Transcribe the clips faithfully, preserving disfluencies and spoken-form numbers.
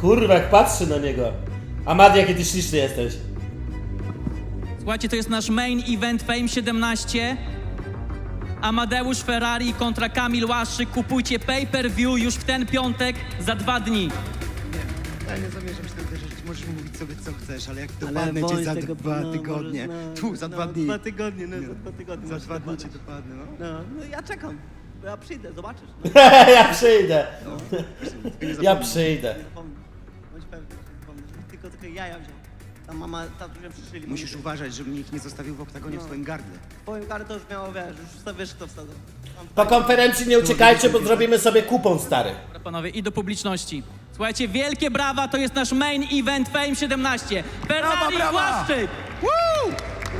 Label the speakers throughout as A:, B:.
A: Kurwa, jak patrzy na niego. Amadi, jaki ty śliczny jesteś.
B: Słuchajcie, to jest nasz main event Fame siedemnaście. Amadeusz Ferrari kontra Kamil Łaszczyk. Kupujcie pay-per-view już w ten piątek za dwa dni.
C: Ja nie zamierzam się tam uderzyć, możesz mówić sobie co chcesz, ale jak
D: Ale
C: dopadnę cię za
D: Wojtek,
C: dwa
D: no,
C: tygodnie,
D: możesz, no,
C: tu, za dwa
D: no,
C: dni.
D: Dwa tygodnie, no, za dwa tygodnie.
C: Za
D: możesz
C: dwa dni cię
D: dopadać.
C: dopadnę, no.
D: No, no ja czekam. Ja przyjdę, zobaczysz. No,
A: Ja przyjdę.
C: Tylko nie
A: Ja
C: zapomnij.
A: przyjdę.
D: nie zapomnę. Bądź pewny, nie zapomnę. Tylko, tylko jaja wziął. Tam mama, tatusia przyszyli.
C: Musisz uważać, żeby nikt nie zostawił w oktagonie w swoim gardle.
D: Powiem karę, to już miało, wiesz, już sobie wiesz, kto wsadzał.
A: Po konferencji nie uciekajcie, bo zrobimy sobie kupon, stary.
B: Dobra, panowie, i do publiczności. Słuchajcie, wielkie brawa, to jest nasz main event Fame siedemnaście. Ferrari
C: Brawa, brawa!
B: Łaszczyk!
C: Woo!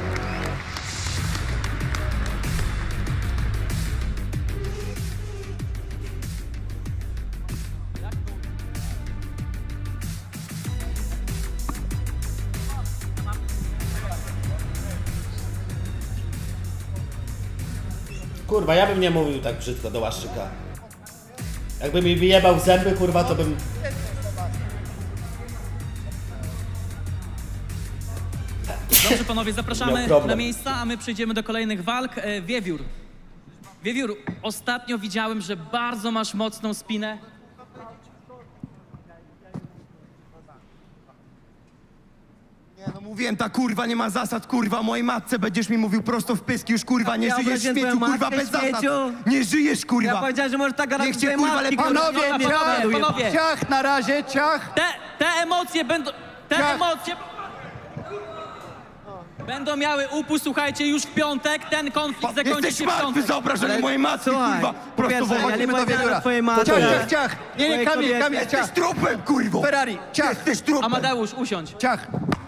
A: Kurwa, ja bym nie mówił tak brzydko do Łaszczyka. Jakby mi wyjebał w zęby, kurwa, to bym...
B: Dobrze, panowie, zapraszamy
A: Miał problem.
B: na miejsca, a my przejdziemy do kolejnych walk. E, Wiewiór. Wiewiór, ostatnio widziałem, że bardzo masz mocną spinę.
C: Nie no, mówiłem, ta kurwa nie ma zasad, kurwa, mojej matce będziesz mi mówił prosto w pyski, już kurwa, nie
D: Ja
C: żyjesz w
D: obraziłem
C: śmieciu,
D: twoją
C: kurwa,
D: matkę,
C: bez zasad.
D: śmieciu.
C: Nie żyjesz, kurwa.
D: Ja powiedziałem, że możesz tak gadać
C: Niech
D: do
C: cię,
D: swojej
C: kurwa,
D: matki,
C: lepiej-
D: kurwa.
B: Panowie,
D: Ona
B: panowie,
D: pierdoluje.
B: panowie.
C: Ciach, na razie, ciach.
B: Te, te emocje będą... Te
C: Ja-
B: emocje... Będą miały upust, słuchajcie, już w piątek. Ten konflikt zakończy
C: Jesteś
B: się w
C: martwy
B: piątek.
C: za obrażenie mojej matki,
D: Słuchaj,
C: kurwa.
D: po
C: Prosto
D: pierwsze, ja nie
C: wychodzimy do
D: powiedziałem
C: wiewióra.
D: o twojej matce.
C: Ciach,
A: Ciach,
C: ciach, ciach. Nie, nie,
D: Twojej
C: Kamil,
D: kobiety.
C: Kamil, jesteś trupem, kurwo. Ferrari, ciach. Jesteś trupem.
B: Amadeusz, usiądź.
C: Ciach.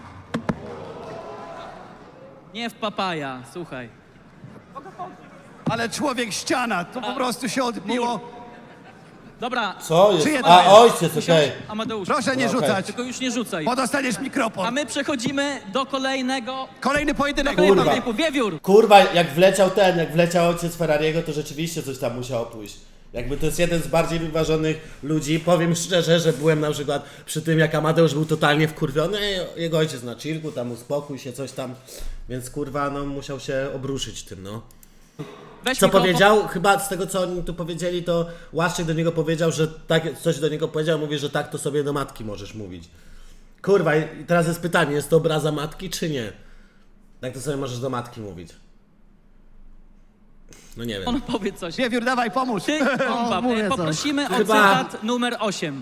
B: Nie w papaja, słuchaj.
C: Ale człowiek ściana, to po prostu się odbiło.
B: Dobra,
A: Co jest?
C: Czyje to
A: A,
C: jest?
A: ojciec, okej.
B: Amadeusz,
C: Proszę nie
A: Okej.
C: rzucać,
B: tylko już nie rzucaj.
C: bo dostaniesz
B: A
C: mikrofon.
B: my przechodzimy do kolejnego...
C: Kolejny pojedynek.
B: Kolejnego
A: Kurwa.
B: typu. Wiewiór.
A: Kurwa, jak wleciał ten, jak wleciał ojciec Ferrariego, to rzeczywiście coś tam musiało pójść. Jakby to jest jeden z bardziej wyważonych ludzi. Powiem szczerze, że byłem na przykład przy tym, jak Amadeusz był totalnie wkurwiony, jego ojciec na chillku, tam uspokój się, coś tam. Więc kurwa, no musiał się obruszyć tym, no.
B: Weź
A: Co
B: mikrofon.
A: powiedział? Chyba z tego, co oni tu powiedzieli, to Łaszczyk do niego powiedział, że tak, coś do niego powiedział, mówi, że tak to sobie do matki możesz mówić. Kurwa, i teraz jest pytanie, jest to obraza matki, czy nie? Tak to sobie możesz do matki mówić. No nie wiem.
B: On powie coś.
C: Wiewiór, dawaj, pomóż.
B: Ty, bomba.
D: mówię
B: E,
D: coś.
B: Poprosimy o
A: Chyba-
B: cytat numer osiem.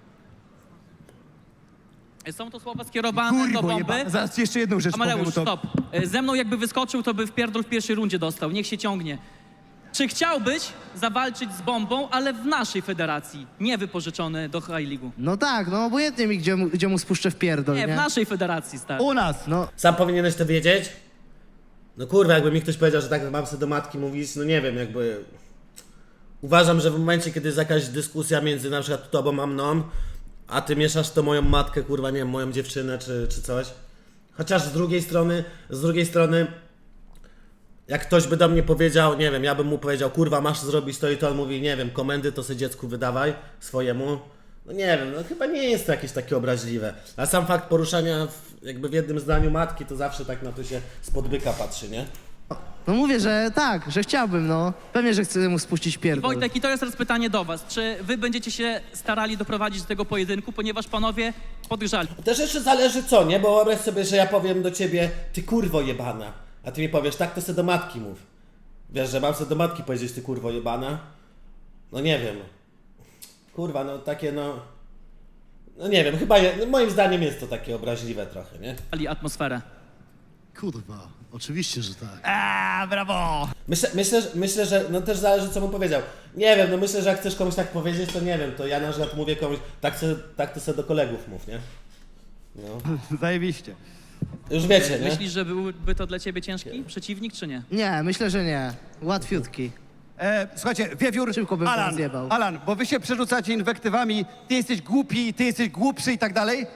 B: Są to słowa skierowane do
C: Kurwo,
B: bomby.
C: jeba. Zaraz jeszcze jedną rzecz powiem.
B: Amadeusz,
C: to...
B: stop. E, Ze mną jakby wyskoczył, to by w pierdol w pierwszej rundzie dostał. Niech się ciągnie. Czy chciałbyś zawalczyć z bombą, ale w naszej federacji, nie wypożyczony do High League'u?
D: No tak, no obojętnie mi, gdzie mu, gdzie mu spuszczę w pierdol,
B: Nie,
D: nie?
B: w naszej federacji, stary.
C: U nas.
D: No,
A: Sam powinieneś to wiedzieć? No kurwa, jakby mi ktoś powiedział, że tak mam sobie do matki mówić, no nie wiem, jakby... Uważam, że w momencie, kiedy jest jakaś dyskusja między na przykład tobą a mną, a ty mieszasz to moją matkę, kurwa, nie wiem, moją dziewczynę czy, czy coś. Chociaż z drugiej strony, z drugiej strony, jak ktoś by do mnie powiedział, nie wiem, ja bym mu powiedział, kurwa, masz zrobić to i to, on mówi, nie wiem, komendy to sobie dziecku wydawaj swojemu. No nie wiem, no chyba nie jest to jakieś takie obraźliwe. A sam fakt poruszania w, jakby w jednym zdaniu matki, to zawsze tak na to się spod byka patrzy, nie?
D: no mówię, że tak, że chciałbym, no. Pewnie, że chcę mu spuścić pierdol.
B: Wojtek, i to jest teraz pytanie do was. Czy wy będziecie się starali doprowadzić do tego pojedynku, ponieważ panowie podgrzali?
A: Też jeszcze zależy co, nie? Bo wyobraź sobie, że ja powiem do ciebie, ty kurwo jebana, a ty mi powiesz, tak to se do matki mów. Wiesz, że mam se do matki powiedzieć, ty kurwo jebana? No nie wiem. Kurwa, no takie no... No nie wiem, chyba je, no moim zdaniem jest to takie obraźliwe trochę, nie?
B: Atmosferę.
E: Kurwa, oczywiście, że tak.
C: A, brawo.
A: Myślę, myślę, że- myślę, że no też zależy co mu powiedział. Nie wiem, no myślę, że jak chcesz komuś tak powiedzieć, to nie wiem, to ja na przykład mówię komuś, tak, se, tak to sobie do kolegów mów, nie? No.
C: Zajebiście.
A: Już wiecie, nie?
B: Myślisz, że byłby to dla ciebie ciężki przeciwnik, czy nie?
D: Nie, myślę, że nie. Łatwiutki.
C: E, słuchajcie, Wiewiór,
D: Szybko bym
C: Alan,
D: rozjebał.
C: Alan, bo wy się przerzucacie inwektywami, ty jesteś głupi, ty jesteś głupszy i tak dalej.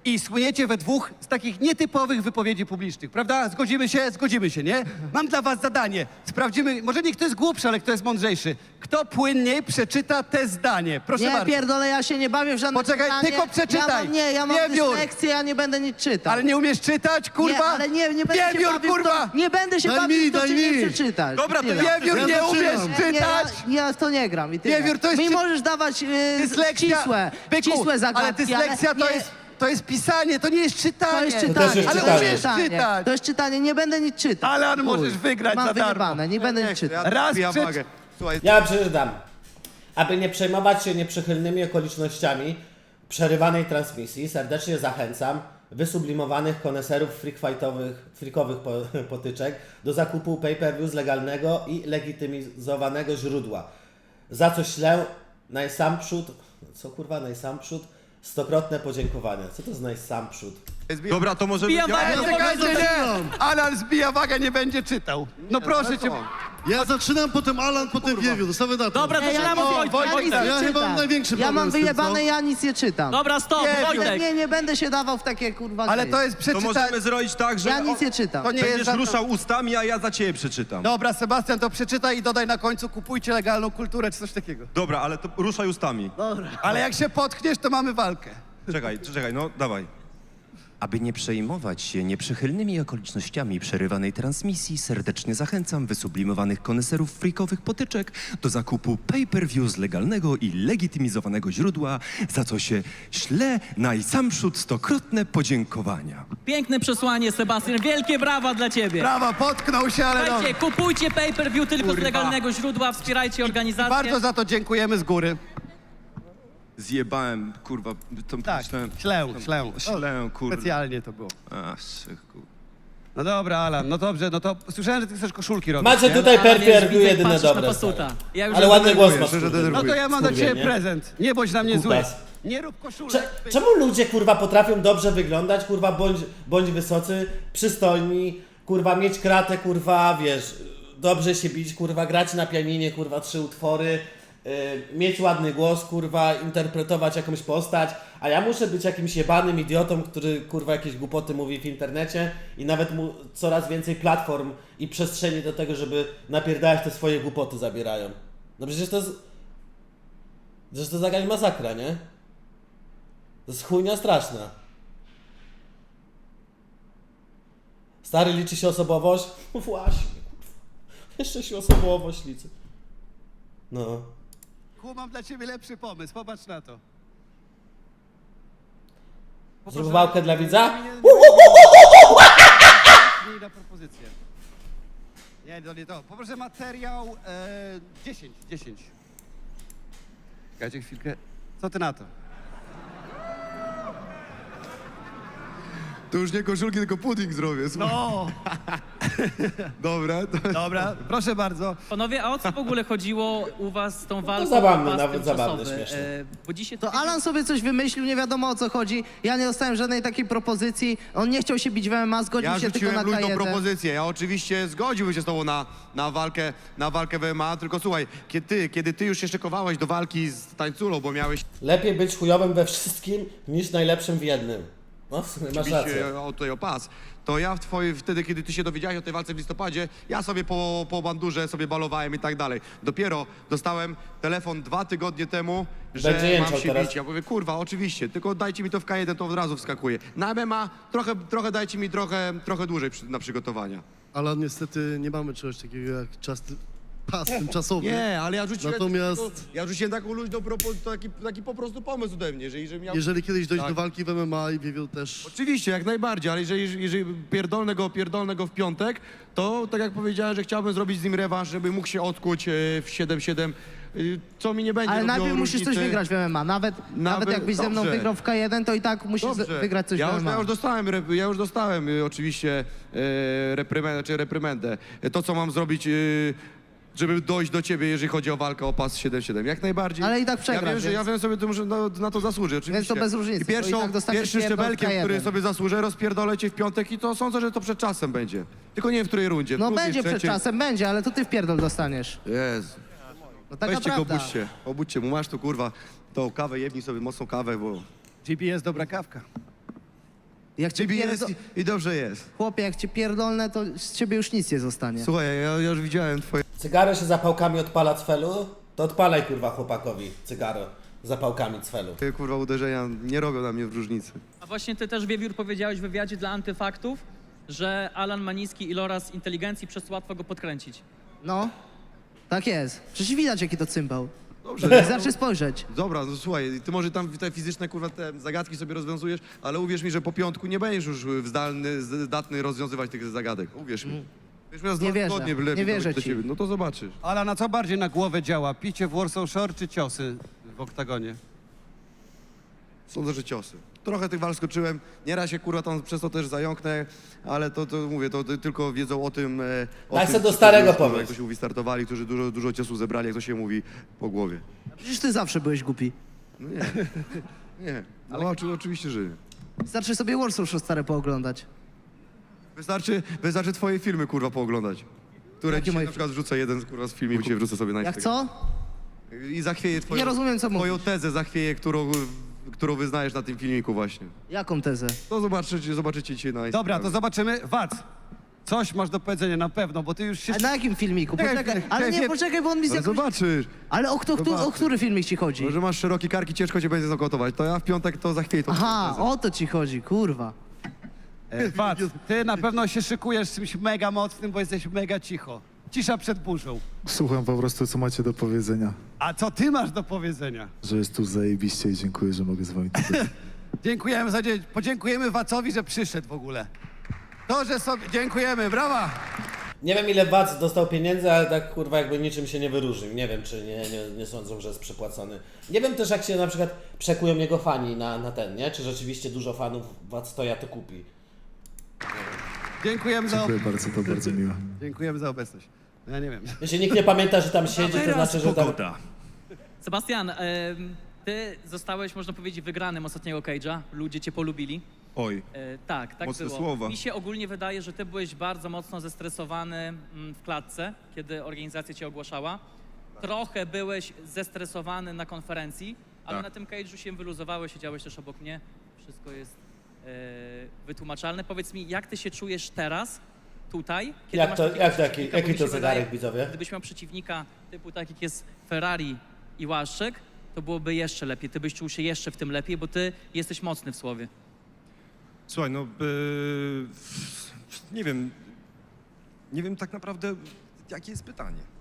F: i słyniecie we dwóch z takich nietypowych wypowiedzi publicznych, prawda? Zgodzimy się? Zgodzimy się, nie? Mam dla was zadanie. Sprawdzimy, może nie kto jest głupszy, ale kto jest mądrzejszy. Kto płynniej przeczyta te zdanie? Proszę
D: Nie,
F: bardzo.
D: pierdolę, ja się nie bawię w żadne
F: Poczekaj,
D: czytanie.
F: tylko przeczytaj.
D: Ja mam, nie, ja mam
F: Wiewiór.
D: dyslekcję, ja nie będę nic czytał.
F: Ale nie umiesz czytać, kurwa?
D: Nie, ale nie, nie będę
F: Wiewiór,
D: się bawił w
F: kurwa!
D: to, nie będę się
E: Daj
D: bawił
E: mi,
D: w to,
E: daj
D: czy nie
E: mi.
D: przeczytasz.
F: Dobra, to
D: Tyle.
F: Wiewiór,
E: Ja
F: nie
E: zaczynam.
F: umiesz
D: Nie, nie, ja,
F: czytać!
D: ja w to nie gram i tyle.
F: Wiewiór, to jest
D: Mi
F: czy-
D: możesz dawać yy,
F: Dyslekcja,
D: ścisłe,
F: byku,
D: ścisłe zagadki,
F: ale dyslekcja
D: ale
F: to
D: nie,
F: jest, to jest pisanie, to nie jest czytanie.
D: to jest
A: też
D: czytanie.
A: jest
F: Ale
A: czytanie.
F: umiesz czytać.
D: To jest czytanie, nie będę nic czytał.
F: Alan,
D: Chuj.
F: możesz wygrać
D: Mam
F: za darmo.
D: wyjebane, nie będę nic czytał.
F: Raz
C: Zbijam
F: przeczy-
C: wagę. Słuchaj,
A: Ja przeczytam. Aby nie przejmować się nieprzychylnymi okolicznościami przerywanej transmisji, serdecznie zachęcam wysublimowanych koneserów freakfightowych, freakowych po, potyczek do zakupu pay-per-view z legalnego i legitymizowanego źródła. Za co ślę najsamprzód, co kurwa najsamprzód, stokrotne podziękowania. Co to jest najsamprzód?
C: dobra, to może...
B: Zbijam wagę,
F: Ej,
B: bo
F: czekajcie,
B: powiedz-
F: nie! Alan zbija wagę, nie będzie czytał. No proszę cię.
E: Ja zaczynam, potem Alan, potem Wiewiór. Zostawię na to.
B: Dobra,
D: Nie, ja,
B: zaczynamy od
D: nic,
B: Wojtka.
D: ja nic
F: Wojtek.
D: nie
E: Ja chyba
D: czytam.
E: mam największy
D: Ja
E: problem
D: mam
E: z tym,
D: wyjebane,
E: co?
D: ja nic nie czytam.
B: Dobra, stop,
F: Nie,
B: Wojtek.
D: Nie, nie będę się dawał w takie kurwa
F: Ale
D: gry.
F: to jest
G: To
F: przeczytanie.
G: możemy zrobić tak, że
D: Ja nic nie czytam.
F: To nie jest
G: będziesz
F: żadna-
G: ruszał ustami, a ja za ciebie przeczytam.
F: Dobra, Sebastian, to przeczytaj i dodaj na końcu kupujcie legalną kulturę czy coś takiego.
G: Dobra, ale to ruszaj ustami.
F: Ale jak się potkniesz, to mamy walkę.
G: Czekaj, czekaj, no dawaj.
H: Aby nie przejmować się nieprzychylnymi okolicznościami przerywanej transmisji, serdecznie zachęcam wysublimowanych koneserów freakowych potyczek do zakupu pay-per-view z legalnego i legitymizowanego źródła, za co się ślę najsamprzód stokrotne podziękowania.
B: Piękne przesłanie, Sebastian. Wielkie brawa dla ciebie.
F: Brawa, potknął się, ale
B: Słuchajcie,
F: dobra.
B: kupujcie pay-per-view tylko z
F: Kurwa.
B: legalnego źródła, wspierajcie organizację.
F: Bardzo za to dziękujemy z góry.
G: Zjebałem, kurwa, to
F: Tak,
G: myślałem...
F: ślę, ślę.
G: Ślę, kurwa.
F: Specjalnie to było.
G: A, syku.
F: No dobra, Alan, no dobrze, no to słyszałem, że ty chcesz koszulki robić,
A: Macie
F: nie?
A: tutaj
B: Ale
A: per
B: wiesz, widzę, jak
A: jedyne
B: patrzysz na
A: dobre.
B: pasuta.
A: stary.
B: Ja już
A: Ale
B: nie
A: ładny głos
C: denerwuję,
A: masz.
C: szczerze
A: kurde.
C: denerwuję.
F: No to ja mam dla
A: Skurwie,
F: ciebie
A: nie?
F: prezent. Nie bądź na mnie zły.
A: Kutas.
F: Nie rób koszulek.
A: Cze- Czemu ludzie kurwa potrafią dobrze wyglądać, kurwa bądź, bądź wysocy, przystojni, kurwa mieć kratę, kurwa wiesz, dobrze się bić, kurwa grać na pianinie, kurwa trzy utwory, yy, mieć ładny głos, kurwa interpretować jakąś postać, a ja muszę być jakimś jebanym idiotą, który kurwa jakieś głupoty mówi w internecie i nawet mu coraz więcej platform i przestrzeni do tego, żeby napierdalać te swoje głupoty zabierają. No przecież to jest... Przecież to jest jakaś masakra, nie? To jest chujnia straszna. Stary, liczy się osobowość? No właśnie, kurwa. Jeszcze się osobowość liczy. No.
F: Ku, mam dla ciebie lepszy pomysł, popatrz na to.
A: Zrób wałkę dla widza?
F: Nie na propozycję. Nie, to nie to. Poproszę materiał e, dziesięć, dziesięć. Czekajcie chwilkę. Co ty na to?
C: To już nie koszulki, tylko pudding zrobię, słuchaj.
F: No,
C: Dobra, to...
F: dobra, proszę bardzo.
B: Panowie, a o co w ogóle chodziło u was z tą walką?
A: zabawne,
B: o pas
A: nawet zabawne,
B: tymczasowy?
A: śmieszne.
B: E, Bo dzisiaj
D: To Alan sobie coś wymyślił, nie wiadomo o co chodzi. Ja nie dostałem żadnej takiej propozycji. On nie chciał się bić w M M A, zgodził
C: Ja
D: się tylko
C: rzuciłem
D: na K
C: luźną
D: jeden.
C: propozycję. Ja oczywiście zgodziłbym się z tobą na, na, walkę, na walkę w M M A, tylko słuchaj, kiedy ty, kiedy ty już się szykowałeś do walki z tańculą, bo miałeś
A: Lepiej być chujowym we wszystkim, niż najlepszym w jednym. No, w sumie masz
C: bić
A: rację.
C: e, o, tutaj o pas, to ja w twojej, wtedy, kiedy ty się dowiedziałeś o tej walce w listopadzie, ja sobie po, po bandurze sobie balowałem i tak dalej. Dopiero dostałem telefon dwa tygodnie temu, że
A: Będzie jęczał
C: mam się
A: teraz.
C: bić. Ja mówię, kurwa, oczywiście, tylko dajcie mi to w K jeden, to od razu wskakuje. Na M M A trochę, trochę dajcie mi trochę, trochę dłużej przy, na przygotowania.
E: Ale niestety nie mamy czegoś takiego jak czas, pas tymczasowy.
C: Nie, ale ja rzuciłem,
E: Natomiast-
C: taką, ja rzuciłem taką luźną propo, taki, taki po prostu pomysł ode mnie, że jeżeli miał...
E: Jeżeli kiedyś dojdzie
C: Tak.
E: do walki w M M A i Wiewiór też...
C: Oczywiście, jak najbardziej, ale jeżeli, jeżeli pierdolnę go, pierdolnę go w piątek, to tak jak powiedziałem, że chciałbym zrobić z nim rewanż, żeby mógł się odkuć e, w siedem siedem, y, co mi nie będzie
D: Ale
C: robiło
D: najpierw musisz coś
C: różnicy.
D: wygrać w M M A. Nawet, nawet,
C: Nawet-
D: jakbyś ze mną
C: dobrze.
D: wygrał w K jeden, to i tak musisz z-
C: Dobrze.
D: wygrać coś
C: ja
D: w
C: już,
D: M M A.
C: ja już dostałem, rep- ja już dostałem y, oczywiście e, reprymendę, czy reprymendę. To, co mam zrobić, y, żeby dojść do ciebie, jeżeli chodzi o walkę o pas siedem siedem. Jak najbardziej.
D: Ale i tak
C: Ja
D: przegrasz,
C: wiem, że ja
D: więc-
C: wiem sobie, to muszę na, na to zasłużę, oczywiście.
D: to bez różnicy,
C: I
D: bo i
C: pierwszą,
D: tak dostaniesz
C: pierwszym
D: pierdol w
C: szczebelkiem,
D: K jeden.
C: który sobie zasłużę, rozpierdolę cię w piątek i to sądzę, że to przed czasem będzie. Tylko nie wiem, w której rundzie. w
D: No
C: drugiej,
D: będzie przed
C: trzeciej.
D: czasem, będzie, ale to ty w pierdol dostaniesz.
C: Jezu.
D: No taka
C: Weźcie go,
D: prawda.
C: obudźcie. Obudźcie mu, masz tu kurwa tą kawę, jebnij sobie mocną kawę, bo...
F: G P S dobra kawka.
D: Jak cię
C: Ciebie jest
D: pierdo...
C: i, i dobrze jest.
D: Chłopie, jak cię pierdolnę, to z ciebie już nic nie zostanie.
C: Słuchaj, ja, ja już widziałem twoje
A: Cygaro się zapałkami odpala cfelu? To odpalaj kurwa chłopakowi cygaro z zapałkami cfelu.
C: kurwa uderzenia, nie robią na mnie w różnicy.
B: A właśnie ty też, Wiewiór, powiedziałeś w wywiadzie dla Antyfaktów, że Alan ma niski iloraz inteligencji, przez co łatwo go podkręcić.
D: No, tak jest. Przecież widać, jaki to cymbał.
C: Dobrze.
D: Wystarczy spojrzeć.
C: Dobra, no słuchaj, ty może tam te fizyczne kurwa te zagadki sobie rozwiązujesz, ale uwierz mi, że po piątku nie będziesz już zdalny, zdatny rozwiązywać tych zagadek. Uwierz mi. Wiesz, miał z
D: Nie
C: dwa
D: wierzę.
C: tygodnie
D: Nie
C: lepiej
D: wierzę
C: dojść do
D: ci.
C: ciebie. No to zobaczysz.
F: Ale na co bardziej na głowę działa? Picie w Warsaw Shore czy ciosy w oktagonie?
C: Sądzę, że ciosy. Trochę tych walk skoczyłem, nieraz się kurwa tam przez to też zająknę, ale to, to mówię, to, to tylko wiedzą o tym, e, o
A: Daj
C: tym,
A: se do
C: którzy
A: starego
C: już, kurwa,
A: pomysł.
C: Jak to się mówi, startowali, którzy dużo, dużo ciosów zebrali, jak to się mówi, po głowie.
D: Przecież ty zawsze byłeś głupi.
C: No nie, nie, no oczy, oczywiście, że nie.
D: Wystarczy sobie Warsaw Show stare pooglądać.
C: Wystarczy, wystarczy twoje filmy, kurwa, pooglądać. Które
D: Jakie
C: dzisiaj
D: moje
C: na przykład wrzucę jeden kurwa, z filmików, dzisiaj wrzucę sobie na
D: Jak
C: Instagram.
D: co?
C: I zachwieję twoją,
D: Nie rozumiem, co
C: twoją
D: mówisz.
C: tezę, zachwieję, którą, którą wyznajesz na tym filmiku właśnie.
D: Jaką tezę?
C: To zobaczycie, zobaczycie dzisiaj na Instagramie.
F: Dobra, to zobaczymy. Wac, coś masz do powiedzenia na pewno, bo ty już się...
D: A na jakim filmiku?
F: Czekaj,
D: Poczekaj,
F: czekaj,
D: ale nie,
F: czekaj.
D: poczekaj, bo on mi z
C: Ale
D: jakąś...
C: zobaczysz.
D: Ale o, kto, kto, o
C: Zobaczysz.
D: który filmik ci chodzi?
C: No, że masz szerokie karki, ciężko cię będzie zakotować. To ja w piątek to zachwieję tą
D: Aha,
C: tezę.
D: o to ci chodzi, kurwa.
F: E, Wac, ty na pewno się szykujesz z czymś mega mocnym, bo jesteś mega cicho. Cisza przed burzą.
I: Słucham po prostu, co macie do powiedzenia.
F: A co ty masz do powiedzenia?
I: Że jest tu zajebiście i dziękuję, że mogę z wami tutaj.
F: Dziękujemy za dzień. Podziękujemy Wacowi, że przyszedł w ogóle. To, że sobie... Dziękujemy, brawa!
A: Nie wiem ile Wac dostał pieniędzy, ale tak kurwa jakby niczym się nie wyróżnił. Nie wiem czy nie, nie, nie sądzą, że jest przypłacony. Nie wiem też jak się na przykład przekują jego fani na, na ten, nie? Czy rzeczywiście dużo fanów Wac to ja to kupi.
F: Dziękujemy za...
I: Dziękuję bardzo, to bardzo miłe.
F: Dziękujemy za obecność. Ja nie wiem.
A: Jeśli nikt nie pamięta, że tam siedzi, to
H: Teraz
A: znaczy, że tam...
H: pogoda.
B: Sebastian, em, ty zostałeś, można powiedzieć, wygranym ostatniego Cage'a. Ludzie cię polubili.
G: Oj,
B: E, tak, tak
G: Mocne
B: było.
G: słowa.
B: Mi się ogólnie wydaje, że ty byłeś bardzo mocno zestresowany mm, w klatce, kiedy organizacja cię ogłaszała. Trochę byłeś zestresowany na konferencji, ale
G: Tak.
B: na tym cage'u się wyluzowałeś, siedziałeś też obok mnie. Wszystko jest e, wytłumaczalne. Powiedz mi, jak ty się czujesz teraz, tutaj?
A: Jak
B: masz
A: to-
B: takiego
A: jak taki-
B: przeciwnika?
A: jaki
B: Bo mi
A: to
B: się
A: zegarek,
B: wydaje,
A: widzowie?
B: Gdybyś miał przeciwnika typu tak jak jest Ferrari i Łaszczyk, to byłoby jeszcze lepiej. Ty byś czuł się jeszcze w tym lepiej, bo ty jesteś mocny w słowie.
G: słuchaj, no... Yy, nie wiem... Nie wiem tak naprawdę, jakie jest pytanie.